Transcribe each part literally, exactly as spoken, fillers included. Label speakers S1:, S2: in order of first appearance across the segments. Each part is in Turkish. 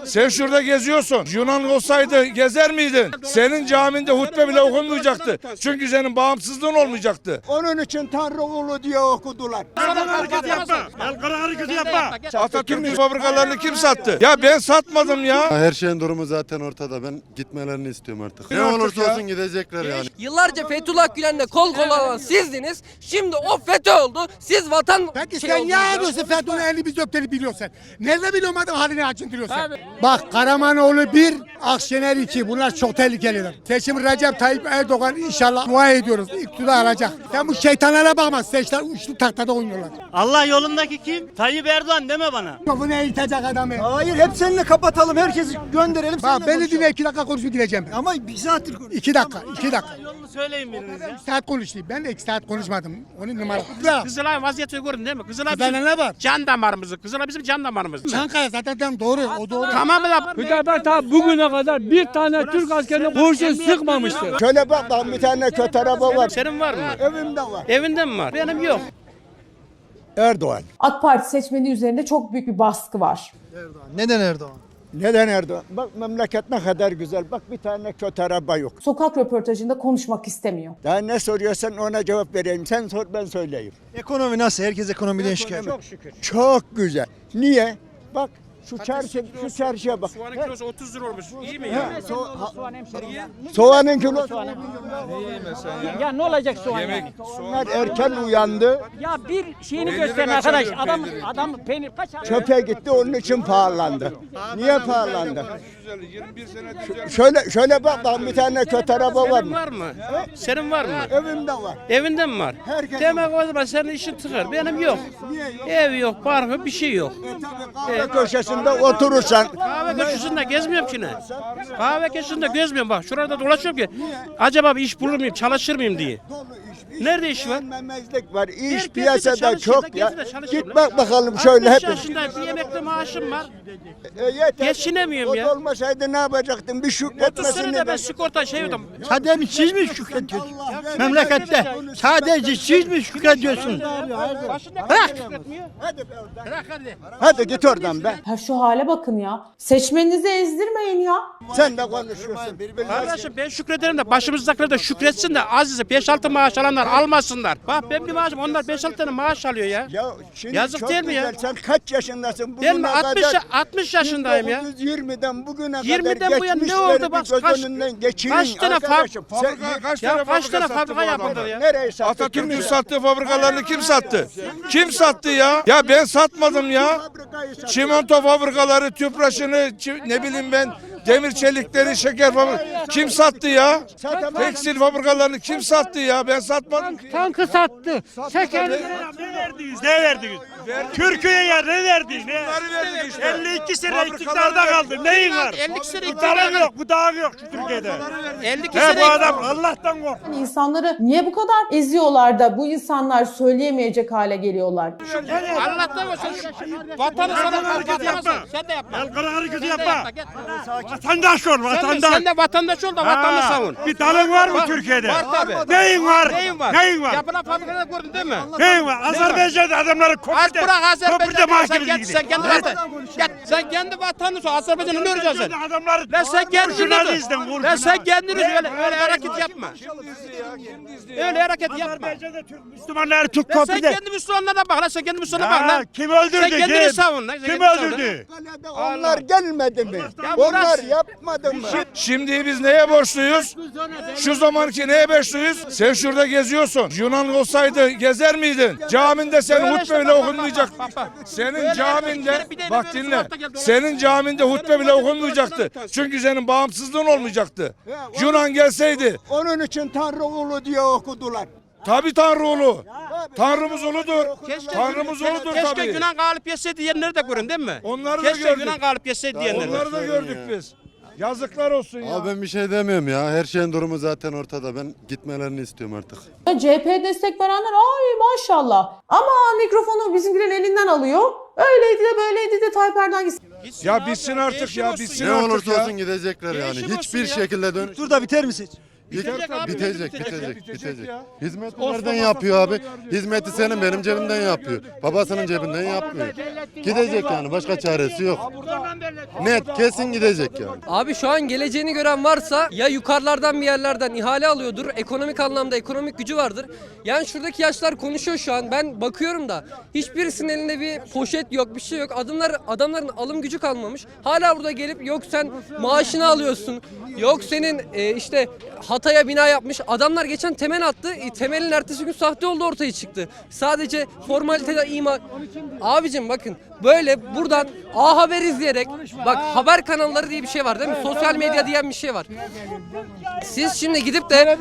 S1: Sen şurada geziyorsun. Yunan olsaydı gezer miydin? Senin caminde hutbe bile okunmayacaktı. Çünkü senin bağımsızlığın olmayacaktı.
S2: Onun için Tanrı ulu diye okudular.
S3: El kara hareketi yapma. El kara hareketi yapma.
S1: Atatürk'ün fabrikalarını kim sattı? Ya ben satmadım ya.
S4: Her şeyin durumu zaten ortada. Ben gitmelerini istiyorum artık. Ne
S1: Artık
S4: olursa
S1: ya.
S4: olsun gidecekler yani.
S5: Yıllarca Fethullah Gülen'le kol kola olan sizdiniz. Şimdi o FETÖ oldu. Siz vatan
S6: Peki
S5: şey
S6: sen niye
S5: oldunuz ya.
S6: yapıyorsun Fethullah'ın elini biz öpteni biliyorsun sen? Nerede biliyorum adam halini acındırıyorsun sen? Bak Karamanoğlu bir, Akşener iki. Bunlar çok tehlikeliler. Seçim Recep Tayyip Erdoğan inşallah dua ediyoruz. İktidar alacak. Sen bu şeytanlara bakma. Seçler uçlu tahtada oynuyorlar.
S3: Allah yolundaki kim? Tayyip Erdoğan deme bana.
S6: Bu ne eğitecek adamı?
S2: Hayır hep seninle kapatalım. Herkesi gönderelim.
S6: Bak beni dinle iki dakika konuşup gideceğim.
S2: Ama bir saattir konuş.
S6: İki dakika, iki dakika.
S3: Yolunu söyleyin biriniz ya.
S6: İki saat konuştum. Ben de iki saat konuşmadım. Onun numara.
S7: Kızılay vaziyeti gördün değil mi? Kızılay
S6: Kızılay'da
S7: bizim
S6: ne var?
S7: can damarımızı. Kızılay bizim can damarımız.
S6: Çankaya zaten doğru. O doğru.
S7: Tamam mı da?
S8: Hüdapar ta bugüne kadar bir tane Türk askerine kurşun sıkmamıştır.
S2: Şöyle bak bak bir tane kötü araba var.
S7: Senin var mı?
S2: Evimde var.
S7: Evinde mi var? Benim yok.
S2: Erdoğan.
S9: AK Parti seçmeni üzerinde çok büyük bir baskı var.
S10: Neden Erdoğan?
S2: Neden Erdoğan? Bak memleket ne kadar güzel. Bak bir tane kötü araba yok.
S9: Sokak röportajında konuşmak istemiyor.
S2: Daha ne soruyorsan ona cevap vereyim. Sen sor ben söyleyeyim.
S10: Ekonomi nasıl? Herkes ekonomiden şikayet.
S2: Çok şükür. Çok güzel. Niye? Bak şu çarşı, şu çarşıya bak.
S7: Soğanın kilosu otuz lira olmuş. İyi mi
S2: Ha,
S7: ya?
S2: so- ha- soğanın kilosu.
S8: Ya ne olacak soğan?
S1: Yemek,
S2: Onlar erken uyandı.
S8: Ya bir şeyini
S1: Peyniri
S8: gösterin
S1: kaç
S8: arkadaş.
S1: alıyor
S8: Adam
S1: peyniri?
S8: adam peynir kaç alıyor?
S2: Çöpe gitti onun için pahalandı. Niye pahalandı?
S1: yirmi bir sene düzeldi.
S2: Şöyle şöyle bak bak bir tane kötü araba var
S7: Senin
S2: mı?
S7: var mı? Senin var mı?
S2: Evimde var.
S7: Evinde mi var?
S2: Herkesin
S7: Demek o zaman senin işin tıkar. Benim yok.
S2: Niye yok?
S7: Ev yok, parkı bir şey yok.
S2: Kahve köşesinde oturursan.
S7: Kahve köşesinde gezmiyorum ki ne? Kahve köşesinde gezmiyorum bak. Şurada dolaşıyorum ki. Acaba bir iş bulur muyum, çalışır mıyım diye. Nerede iş var?
S2: Beğenmemezlik var. İş
S7: Herkes de
S2: piyasada
S7: çalışıyor da
S2: çok ya.
S7: gezide çalışıyor.
S2: Git bak bakalım şöyle
S7: altmış
S2: hep.
S7: yaşındayım, bir emekli maaşım var.
S2: E, yeter.
S7: Geçinemiyorum
S2: O
S7: ya.
S2: da olmasaydı ne yapacaktın? Bir
S7: otuz
S2: şükretmesini
S7: senede ben
S2: de.
S7: sigorta şey ödedim.
S10: Sadece siz mi şükrediyorsunuz? Memlekette sadece siz mi şükrediyorsunuz?
S7: Bırak.
S2: Hadi git oradan be.
S9: Ha şu hale bakın ya. Seçmeninizi ezdirmeyin ya.
S2: Sen de konuşuyorsun.
S7: Kardeşim ben şükrederim de başımızdakiler de şükretsin de azize beş altı maaş alanlar almasınlar. Bak ben bir maaşım onlar beş altı tane maaş alıyor ya.
S2: Ya şimdi
S7: Yazık
S2: çok
S7: değil mi ya?
S2: güzel. Sen kaç yaşındasın?
S7: Ben
S2: Bugüne
S7: altmış
S2: kadar
S7: altmış yaşındayım ya.
S2: bin dokuz yüz yirmiden bugüne
S7: yirmiden
S2: kadar
S7: bu yana ne
S2: geçmişleri
S7: oldu bak
S2: bir göz
S7: kaç,
S2: önünden geçirin
S7: kaç tane
S2: arkadaşım.
S7: fab-
S2: Sen-
S1: Fabrika, kaç
S7: ya
S1: tane
S7: kaç tane
S1: sattı
S7: fabrika
S1: bu
S7: yapıldı
S1: adamlar?
S7: ya?
S2: Nereye sattı?
S1: Atatürk'ün
S2: Kim
S1: sattığı fabrikalarını kim sattı? Kim sattı ya? Ya ben satmadım ya.
S2: fabrikayı sattı?
S1: Çimento fabrikaları, tüpraşını, çi- ne bileyim ben, demir çelikleri, şeker fabrikaları. Kim sattı ya? Tekstil fabrikalarını kim sattı ya? Ben satmadım ki.
S8: Tankı sattı. Şeker
S3: Ne verdiniz? Ne verdiniz? Türkiye'ye ne verdiniz? Ne?
S1: Bunları verdik işte.
S3: elli iki sene
S1: Fabrikaları
S3: iktidarda
S1: verdik.
S3: kaldı. Neyin var?
S7: elli iki sene
S3: Bu dağ yok, bu dağ yok şu Türkiye'de.
S7: elli iki
S3: He
S7: sene
S3: bu adam Allah'tan kork.
S9: İnsanları niye bu kadar eziyorlar da bu insanlar söyleyemeyecek hale geliyorlar?
S7: Allah'tan olsun. Vatanı sana kalkamazsın. Sen de yapma.
S3: El kara hareketi
S7: Sen de
S3: yapma.
S7: yapma. Gel.
S3: Vatandaş ol,
S7: Sen de,
S3: vatandaş.
S7: sen de vatandaş ol da vatanını
S3: Ha,
S7: savun.
S3: bir dalın var mı
S7: Var-
S3: Türkiye'de?
S7: Var tabii.
S3: Neyin var?
S7: Neyin var?
S3: Neyin var?
S7: Yapılan fabrikaları gördün değil mi?
S3: Neyin var? Azerbaycan'da adamları
S7: Az
S3: köprüde,
S7: bırak
S3: köprüde
S7: Azerbaycan'ı. Sen
S3: mahkemeye
S7: kendi,
S3: gidiyor.
S7: sen kendi vatan. Gel, sen kendi vatanını sor. Azerbaycan'ı ne öreceksin sen?
S3: Adamları
S7: Lan sen kendini
S3: kurşuna
S7: dur.
S3: dizdin,
S7: Lan
S3: kurşuna.
S7: sen kendini öyle, öyle hareket yapma. Öyle hareket yapma.
S3: Azerbaycan'da Türk Müslümanları Türk
S7: Lan sen
S3: köprüde.
S7: kendi Müslümanlara bak lan sen kendi Müslümanlara bak
S3: Ya,
S7: lan.
S3: kim öldürdü?
S7: Sen kendini
S3: Kim?
S7: savun lan. sen
S3: Kim
S7: kendini savun lan.
S3: öldürdü?
S2: Kalede Onlar gelmedi mi?
S7: Ya
S2: Onlar
S7: burası-
S2: yapmadı mı?
S1: Şimdi biz neye borçluyuz? Şu zamanki neye borçluyuz? Sen şurada geziyorsun. Yunan olsaydı gezer miydin? Caminde senin
S7: Böyle
S1: hutbe
S7: işte
S1: bile
S7: bak, bak,
S1: okunmayacaktı.
S7: bak, bak.
S1: Senin
S7: Böyle
S1: caminde
S7: işte bir de
S1: bak
S7: böyle
S1: dinle.
S7: sokakta geldi,
S1: Senin caminde hutbe bile okunmayacaktı. Çünkü senin bağımsızlığın olmayacaktı. Yunan gelseydi.
S2: Onun için Tanrı ulu diye okudular.
S1: Tabii Tanrı ulu. Tanrımız uludur.
S7: Keşke,
S1: Tanrımız
S7: keşke,
S1: uludur
S7: keşke
S1: tabii.
S7: Yunan galip yetseydi diyenleri de görün değil mi?
S1: Onları da
S7: keşke
S1: gördük.
S7: Yunan galip yetseydi diyenleri.
S1: Onları da gördük biz. Yazıklar olsun ya.
S4: Abi ben bir şey demiyorum ya. Her şeyin durumu zaten ortada. Ben gitmelerini istiyorum artık.
S9: C H P'ye destek verenler ay maşallah. Ama mikrofonu bizimkilerin elinden alıyor. Öyleydi de böyleydi de Tayyip Erdoğan gitsin.
S7: Gitsin
S1: Ya
S7: abi,
S1: bitsin artık
S7: değişim
S1: ya
S7: olsun
S1: bitsin
S4: Ne
S1: artık
S4: olursa
S1: ya.
S4: olsun gidecekler yani.
S7: Değişim olsun
S4: Hiçbir
S7: ya.
S4: şekilde dön.
S10: Dur da biter mi seç?
S7: Bitecek abi,
S4: bitecek,
S7: bitecek,
S4: bitecek,
S1: bitecek
S4: bitecek.
S1: ya.
S4: Hizmeti nereden yapıyor abi? Hizmeti senin benim cebimden yapıyor. Babasının cebinden yapmıyor. Gidecek yani, başka çaresi yok. Net, kesin gidecek yani.
S5: Abi şu an geleceğini gören varsa ya yukarılardan bir yerlerden ihale alıyordur. Ekonomik anlamda ekonomik gücü vardır. Yani şuradaki yaşlar konuşuyor şu an. Ben bakıyorum da hiçbirisinin elinde bir poşet yok, bir şey yok. Adımlar adamların alım gücü kalmamış. Hala burada gelip yok sen maaşını alıyorsun. Yok senin e, işte Hatay'a bina yapmış. Adamlar geçen temel attı. E, temelin ertesi gün sahte olduğu ortaya çıktı. Sadece formalitede ima... Abicim bakın böyle buradan A Haber izleyerek bak haber kanalları diye bir şey var değil mi? Sosyal medya diyen bir şey var. Siz şimdi gidip de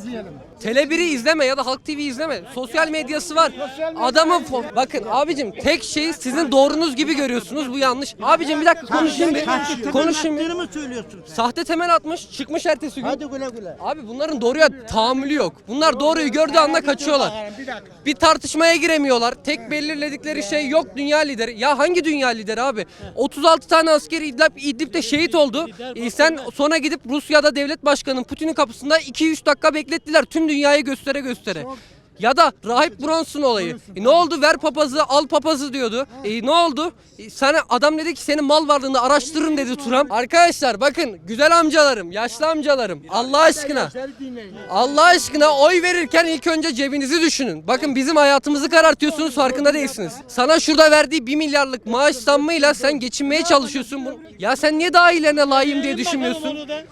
S5: Tele bir'i izleme ya da Halk T V izleme. Sosyal medyası var. Adamın fo- bakın abicim tek şeyi sizin doğrunuz gibi görüyorsunuz. Bu yanlış. Abicim bir dakika konuşayım bir. Konuşayım bir.
S10: mı söylüyorsun?
S5: Sahte temel atmış, çıkmış ertesi gün.
S10: Hadi güle güle.
S5: Abi bunların doğruya tahammülü yok. Bunlar doğruyu gördüğü anda kaçıyorlar. Bir tartışmaya giremiyorlar. Tek belirledikleri şey yok dünya lideri. Ya hangi dünya lideri abi? otuz altı tane asker İdlib, İdlib'de şehit oldu. E sen sonra gidip Rusya'da devlet başkanı Putin'in kapısında iki üç dakika beklettiler. Tüm dünyayı göstere göstere. Ya da Rahip Bronson olayı. E ne oldu? Ver papazı, al papazı diyordu. E ne oldu? E sana adam dedi ki senin mal varlığını araştırın dedi Trump. Arkadaşlar bakın güzel amcalarım, yaşlı amcalarım. Allah aşkına. Allah aşkına oy verirken ilk önce cebinizi düşünün. Bakın bizim hayatımızı karartıyorsunuz farkında değilsiniz. Sana şurada verdiği bir milyarlık maaş zammıyla sen geçinmeye çalışıyorsun. Bu- Ya sen niye daha iyilerine layığım diye düşünmüyorsun?
S10: Onu da,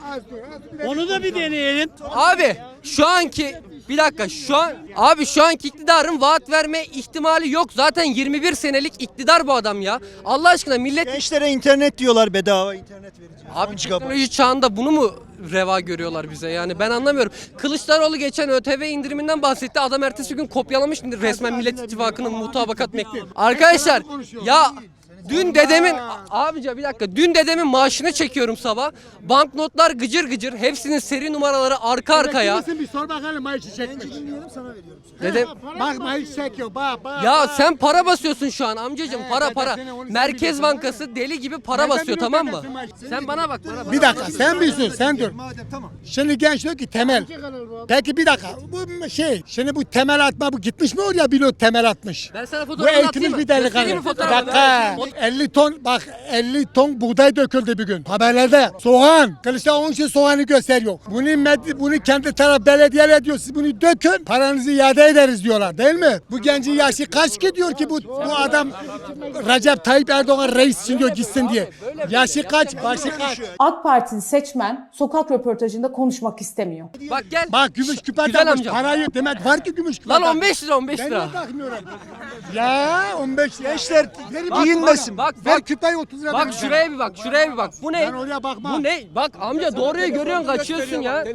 S10: onu da bir deneyelim.
S5: Abi şu anki bir dakika şu an abi şu anki iktidarın vaat verme ihtimali yok. Zaten yirmi bir senelik iktidar bu adam ya. Allah aşkına millet
S10: Gençlere internet diyorlar, bedava internet vereceğiz.
S5: abi teknoloji çağında bunu mu reva görüyorlar bize yani ben anlamıyorum. Kılıçdaroğlu geçen ÖTV indiriminden bahsetti. Adam ertesi gün kopyalamış resmen Millet İttifakı'nın mutabakat mektubu. Arkadaşlar ya dün dedemin abica bir dakika dün dedemin maaşını çekiyorum sabah. Banknotlar gıcır gıcır hepsinin seri numaraları arka arkaya.
S6: Kimsin bir sor bakalım maaşı çekmiş.
S5: Dedem
S6: Bak maaşı çekiyor bak bak.
S5: ya sen para basıyorsun şu an amcacığım para
S6: dede,
S5: para.
S6: seni onu sen
S5: Merkez
S6: biliyorsun.
S5: Bankası deli gibi para
S6: Nereden
S5: basıyor
S6: biliyorsun
S5: tamam mı?
S6: dedesinin maaşını?
S5: Sen bana bak bana bak.
S6: Bir dakika sen bir sus sen dur. Şimdi genç diyor ki temel. Peki bir dakika bu şey şimdi bu temel atma bu gitmiş mi oraya pilot temel atmış.
S5: Ben sana
S6: Bu
S5: fotoğrafını atayım
S6: eğitimli
S5: mı?
S6: bir
S5: Göstereyim
S6: delikanlı.
S5: mi
S6: Bir
S5: fotoğrafını?
S6: dakika. elli ton bak elli ton buğday döküldü bir gün. Haberlerde soğan. Kılıçdaroğlu onun için soğanı gösteriyor. Bunu med- bunu kendi taraf belediyeler diyor. Siz bunu dökün paranızı iade ederiz diyorlar değil mi? Bu gencin yaşı kaç ki diyor ki bu bu adam Recep Tayyip Erdoğan reis için diyor gitsin diye. Yaşı kaç? Başı kaç?
S9: AK Partili seçmen sokak röportajında konuşmak istemiyor.
S5: Bak gel.
S6: Bak gümüş küpe
S5: Güzel
S6: takmış.
S5: amca.
S6: Parayı demek var ki gümüş küpe
S5: Lan
S6: takmış.
S5: on beş lira on beş
S6: Ben
S5: lira.
S6: niye takmıyorum? Ya on beş gençler
S5: Bak,
S6: giyinmesin.
S5: bak,
S6: Ver
S5: bak.
S6: küpeyi otuz lira.
S5: Bak
S6: verin
S5: şuraya bir bak şuraya bir bak. Bu ne?
S6: Ben oraya bakmam.
S5: Bu ne? Bak amca doğruyu görüyorsun kaçıyorsun ya.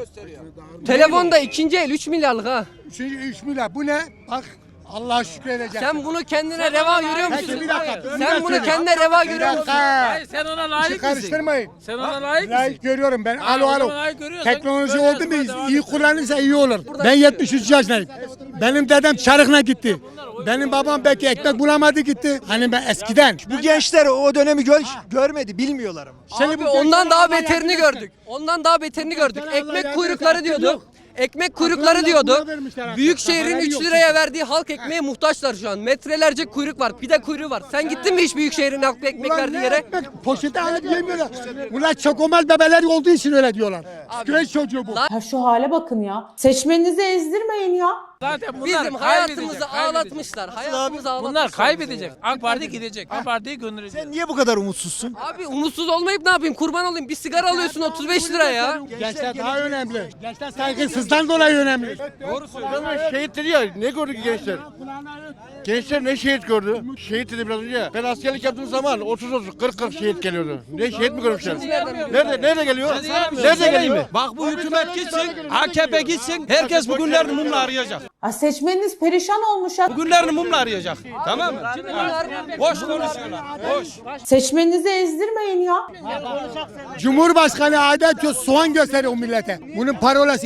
S5: Telefon da ikinci el üç milyarlık ha.
S6: Üçüncü üç milyar. Bu ne? Bak Allah'a şükür edeceksin.
S5: Sen bunu kendine reva görüyor musun?
S6: Peki bir dakika.
S5: Sen bunu kendine reva
S6: Bir
S5: görüyor musun?
S6: dakika.
S8: Sen ona
S6: İşi
S8: layık misin?
S6: karıştırmayın.
S8: Sen ona layık
S6: Layık görüyorum ben. Alo
S8: o
S6: alo.
S8: zaman layık görüyorsan
S6: Teknoloji
S8: böyle
S6: oldu mu
S8: yapma, devam
S6: iyi
S8: et.
S6: kullanırsa iyi olur. Ben yetmiş üç yaşındayım. Benim dedem çarıkla gitti. Benim babam belki ekmek bulamadı gitti. Hani ben eskiden.
S10: Bu gençler o dönemi gör, görmedi, bilmiyorlar ama.
S6: Şimdi
S5: Abi
S6: bu
S5: ondan
S6: gençler
S5: daha
S6: Allah
S5: beterini
S6: yardım
S5: gördük. Ondan daha beterini gördük.
S6: Allah
S5: Ekmek
S6: yardım
S5: kuyrukları
S6: etsin,
S5: diyordu.
S6: yok.
S5: Ekmek kuyrukları
S6: Akıllı
S5: diyordu.
S6: lafına vermişler hakikaten.
S5: Büyükşehir'in
S6: Haberleri
S5: üç
S6: yok.
S5: liraya verdiği halk ekmeğe muhtaçlar şu an. Metrelerce kuyruk var. Pide kuyruğu var. Sen gittin mi hiç Büyükşehir'in halk ekmek
S6: Ulan
S5: verdiği
S6: ne
S5: yere?
S6: ekmek? Poşete alıp yemiyorlar. Bunlar çokomel bebeler olduğu için öyle diyorlar. Güneş çocuğu bu.
S9: Ha şu hale bakın ya. Seçmeninizi ezdirmeyin ya.
S8: Zaten bunlar
S5: Bizim
S8: kaybedecek,
S5: hayatımızı
S8: kaybedecek.
S5: ağlatmışlar. Hayatımızı ağlatmışlar.
S8: Bunlar kaybedecek. AK Parti gidecek. AK Parti'yi gönderecek.
S10: Sen niye bu kadar umutsuzsun?
S5: Abi umutsuz olmayıp ne yapayım? Kurban olayım. Bir sigara alıyorsun otuz beş lira ya.
S6: Gençler daha önemli. Gençler saygısızdan dolayı önemli.
S7: Şehit dedi ya, ne gördü ki gençler? Gençler ne şehit gördü? Şehit dedi biraz önce. Ben askerlik yaptığım zaman otuz otuz kırk kırk şehit geliyordu. Ne şehit mi görmüşler? Nerede nerede geliyor? Nerede geliyor?
S8: Bak bu hükümet gitsin, A K P gitsin, herkes bu günlerini mumla arayacak.
S9: Ha seçmeniniz perişan olmuş ya.
S8: Bu günlerini mumla arayacak. Tamam mı? Boş konuşuyorlar. Boş.
S9: Seçmeninizi ezdirmeyin ya.
S6: Cumhurbaşkanı adet yok soğan gösteriyor millete. Bunun parolası.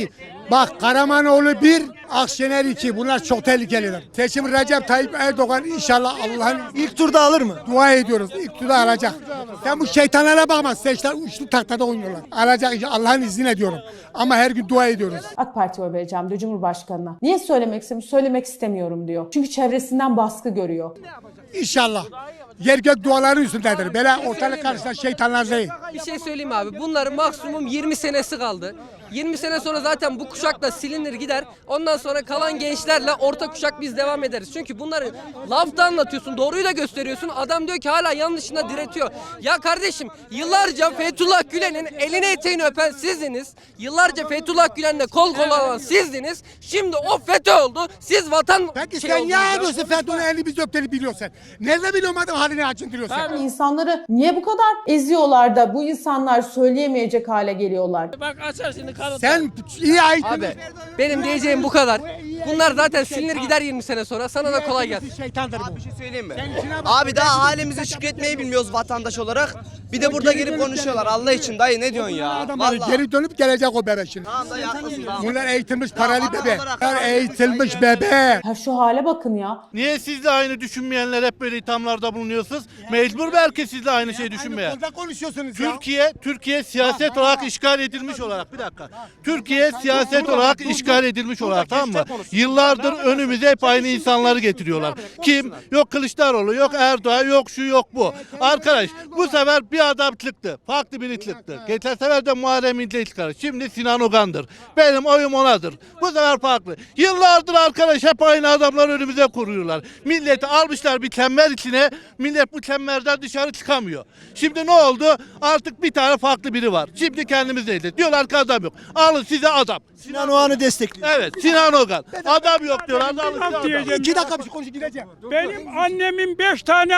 S6: Bak Karamanoğlu bir, Akşener iki. Bunlar çok tehlikelidir. Seçim Recep Tayyip Erdoğan inşallah Allah'ın ilk turda alır mı? Dua ediyoruz. İlk turda alacak. Sen bu şeytanlara bakma. Seçler uçlu taktada oynuyorlar. Alacak inşallah. Allah'ın izniyle diyorum. Ama her gün dua ediyoruz.
S9: AK Parti'ye oy vereceğim diyor Cumhurbaşkanı'na. Niye söylemek istemiyor? Söylemek istemiyorum diyor. Çünkü çevresinden baskı görüyor.
S6: İnşallah. Yer gök duaları üstündedir. Böyle ortalık karşısında şeytanlar değil.
S5: Bir şey söyleyeyim abi. Bunların maksimum yirmi senesi kaldı. yirmi sene sonra zaten bu kuşak da silinir gider. Ondan sonra kalan gençlerle orta kuşak biz devam ederiz. Çünkü bunları lafta anlatıyorsun, doğruyu da gösteriyorsun. Adam diyor ki hala yanlışına diretiyor. Ya kardeşim yıllarca Fethullah Gülen'in elini eteğini öpen sizdiniz. Yıllarca Fethullah Gülen'le kol kola olan sizdiniz. Şimdi o FETÖ oldu. Siz vatan
S6: Peki
S5: şey
S6: sen
S5: oldunuz
S6: niye
S5: ya.
S6: yapıyorsun Fethullah elini biz öpteni biliyorsun? Nerede biliyorum adam halini acındırıyorsun?
S9: İnsanları niye bu kadar eziyorlar da bu insanlar söyleyemeyecek hale geliyorlar?
S8: Bak açar şimdi kanıtlar.
S6: Sen iyi ait.
S5: Abi benim diyeceğim bu kadar. Bunlar zaten silinir gider yirmi sene sonra. Sana da kolay gelsin.
S6: Şeytandır bu.
S11: Bir şey söyleyeyim mi? Abi daha halimize şükretmeyi bilmiyoruz vatandaş olarak. Bir de burada gelip konuşuyorlar. Allah için dayı ne diyorsun ya?
S6: Adamlar
S11: Vallahi.
S6: geri dönüp gelecek o bebek şimdi.
S11: Tamam dayı haklısın tamam.
S6: Bunlar eğitilmiş paralı
S11: adam
S6: bebe.
S11: olarak-
S6: Bunlar eğitilmiş bebe.
S9: Ha şu hale bakın ya.
S3: Niye siz de aynı düşünmeyenler hep böyle ithamlarda bulunuyorsunuz? Mecbur belki siz de aynı şeyi düşünmeye.
S6: Konuda konuşuyorsunuz ya.
S3: Türkiye, Türkiye siyaset olarak işgal edilmiş olarak bir dakika. Türkiye siyaset olarak işgal edilmiş olarak tamam mı? Yıllardır önümüze hep aynı insanları getiriyorlar. Kim? Yok Kılıçdaroğlu, yok Erdoğan, yok şu yok bu. Arkadaş bu sefer bir adam çıktı. Farklı biri çıktı. Geçen sefer de Muharrem İnce çıkardı. Şimdi Sinan Ogan'dır. Benim oyum onadır. Bu sefer farklı. Yıllardır arkadaş hep aynı adamlar önümüze kuruyorlar. Milleti almışlar bir çember içine. Millet bu çemberden dışarı çıkamıyor. Şimdi ne oldu? Artık bir tane farklı biri var. Şimdi kendimizdeyiz. Diyorlar ki adam yok. Alın size adam.
S10: Sinan Oğan'ı destekliyor.
S3: Evet Sinan Ogan. Adam yok diyorlar. Alın size adam.
S8: Diyeceğim.
S6: İki dakika bir şey konuşup gideceğim.
S8: Benim annemin beş tane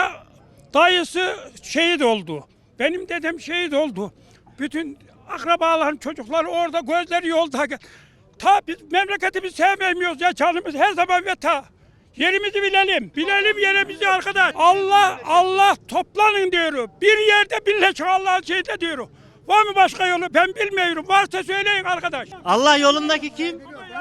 S8: dayısı şehit oldu. Benim dedem şehit oldu. Bütün akrabaların çocukları orada, gözleri yolda. Ta biz memleketimizi sevmiyoruz ya, canımız her zaman ve ta. Yerimizi bilelim. Bilelim yerimizi arkadaş. Allah Allah toplanın diyorum. Bir yerde birleşin Allah'ın şeyde diyorum. Var mı başka yolu? Ben bilmiyorum. Varsa söyleyin arkadaş.
S10: Allah yolundaki kim?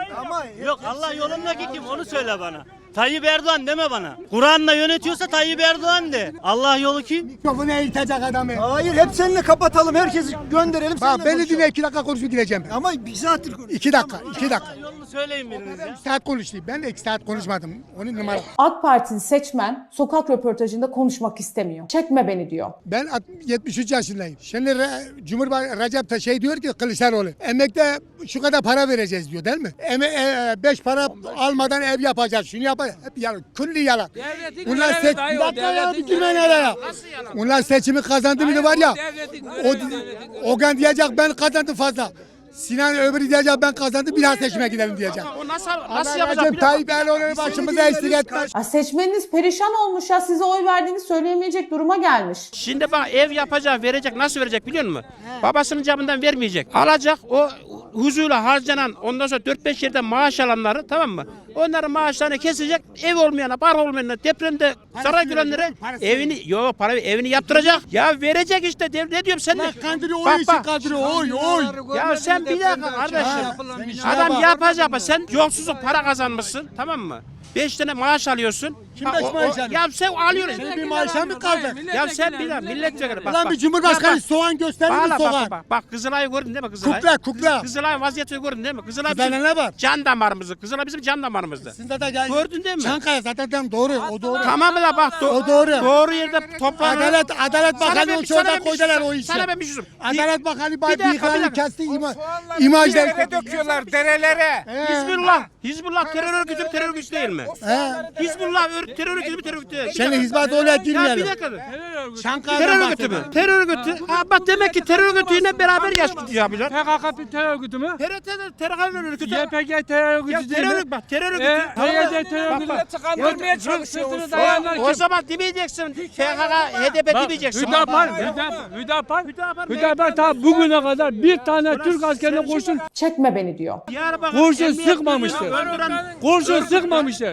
S10: Yok Allah yolundaki kim onu söyle bana. Tayyip Erdoğan deme bana. Kur'an'la yönetiyorsa Tayyip Erdoğan de. Allah yolu kim?
S6: Mikrofonu eğitecek adamı.
S10: Hayır hep seninle kapatalım. Herkesi gönderelim.
S6: Bak beni dinle iki dakika konuşup gideceğim.
S10: Ama bir saattir konuş.
S6: İki dakika, iki dakika.
S10: Yolunu söyleyin biriniz ya.
S6: Bir saat konuştu. Ben de iki saat konuşmadım. Onun numara.
S9: AK Partili seçmen sokak röportajında konuşmak istemiyor. Çekme beni diyor.
S6: Ben yetmiş üç yaşındayım. Şimdi Re- Cumhurbaşkanı Recep Tayyip şey diyor ki Kılıçdaroğlu emekte şu kadar para vereceğiz diyor değil mi? Eme, e, beş para almadan ev yapacağız. Şunu yapacağız. Hep yalan. Külli yalan. Bunlar seç... Bir dakika ya bitirme nereye? Bunlar seçimi kazandı mıydı var ya. O, Ogan diyecek ben kazandım fazla. Sinan öbürü diyecek ben kazandım bir daha seçime gidelim diyecek.
S8: O nasıl
S6: Nasıl yapacak? Tayyip Erdoğan'ı başımıza eksik etmez.
S9: Ya seçmeniniz perişan olmuş ya, size oy verdiğini söyleyemeyecek duruma gelmiş.
S8: Şimdi bak ev yapacak, verecek, nasıl verecek biliyor musun? Babasının cebinden vermeyecek. Alacak o huzurla harcanan ondan sonra dört beş yerden maaş alanları tamam mı? Onların maaşlarını kesecek. Ev olmayana, bar olmayana, depremde zarar görenlere evini yok para evini yaptıracak. Ya verecek işte. Ne diyorum sen de?
S6: Kandırıyor o
S8: Bak,
S6: işi
S8: bak.
S6: kandırıyor oy oy.
S8: Ya sen bir dakika kardeşim. Adam yapacak ama sen yolsuzluk para kazanmışsın tamam mı? Beş tane maaş alıyorsun.
S6: Kim
S8: Ha,
S6: beş
S8: o-
S6: maaş
S8: o-
S6: alıyor?
S8: Ya sen alıyorsun.
S6: Senin bir maaşa mı kaldı?
S8: Ya sen bir dakika milletvekili bak
S6: Lan
S8: bak.
S6: bir cumhurbaşkanı
S8: Ya bak,
S6: soğan gösterir mi
S8: Bak,
S6: soğan?
S8: bak, bak, bak Kızılay'ı gördün değil mi Kızılay?
S6: Kukla, kukla.
S8: Kızılay vaziyetini gördün değil mi? Kızılay
S6: Kızılay'da
S8: bizim
S6: ne var?
S8: can damarımızdı. Kızılay bizim can damarımızdı.
S6: Sizde de gel.
S8: Gördün değil mi?
S6: Çankaya zaten tam doğru. O doğru.
S8: Tamam da bak do-
S6: O doğru.
S8: Doğru yerde toplanır.
S6: Adalet Adalet
S8: Sana
S6: Bakanı
S8: ben-
S6: o
S8: sana
S6: orada
S8: ben bir
S6: koydular
S8: şey-
S6: o işi.
S8: Sana ben bir şey söyleyeyim.
S6: Adalet Bakanı
S8: Bir
S6: bay
S8: dakika, bir
S6: bıyıklarını
S8: dakika.
S6: kesti ima, imaj
S1: Derelere döküyorlar derelere.
S8: Hizbullah. Hizbullah terör örgütü mü, terör örgütü değil mi?
S6: He.
S8: Hizbullah ör- terör örgütü mü, terör örgütü değil mi?
S6: Şimdi hizmet oraya
S8: Ya bir
S6: girmeyelim.
S8: dakika.
S6: Çankaya'dan
S8: Terör örgütü mü? Terör örgütü. Ha bak demek ki terör örgütüyle beraber yaşayabilir.
S12: P K K bir terör örgütü mü?
S8: Terör terör terör örgütü.
S12: Y P G terör
S8: Ya
S12: örgütü değil
S8: terör
S12: mi?
S8: örgütü bak terör örgütü.
S12: E,
S8: Tamam mı?
S12: P Y D terör
S8: Bak,
S12: örgütü.
S8: bak.
S1: Kandırmaya
S12: Sırtını
S1: çalışıyorsun.
S12: dayayanlar
S8: O
S12: kim?
S8: zaman demeyeceksin. P K K, H D P
S12: Bak,
S8: demeyeceksin.
S12: Hüdapar, Hüdapar, Hüdapar,
S8: Hüdapar ne?
S12: Hüdapar ta bugüne kadar bir tane Türk askerine kurşun
S9: Çekme beni diyor.
S8: Diyarbakır
S12: kurşun
S8: emniyet
S12: sıkmamıştır.
S8: müdürünü öldüren
S12: Kurşun sıkmamıştır.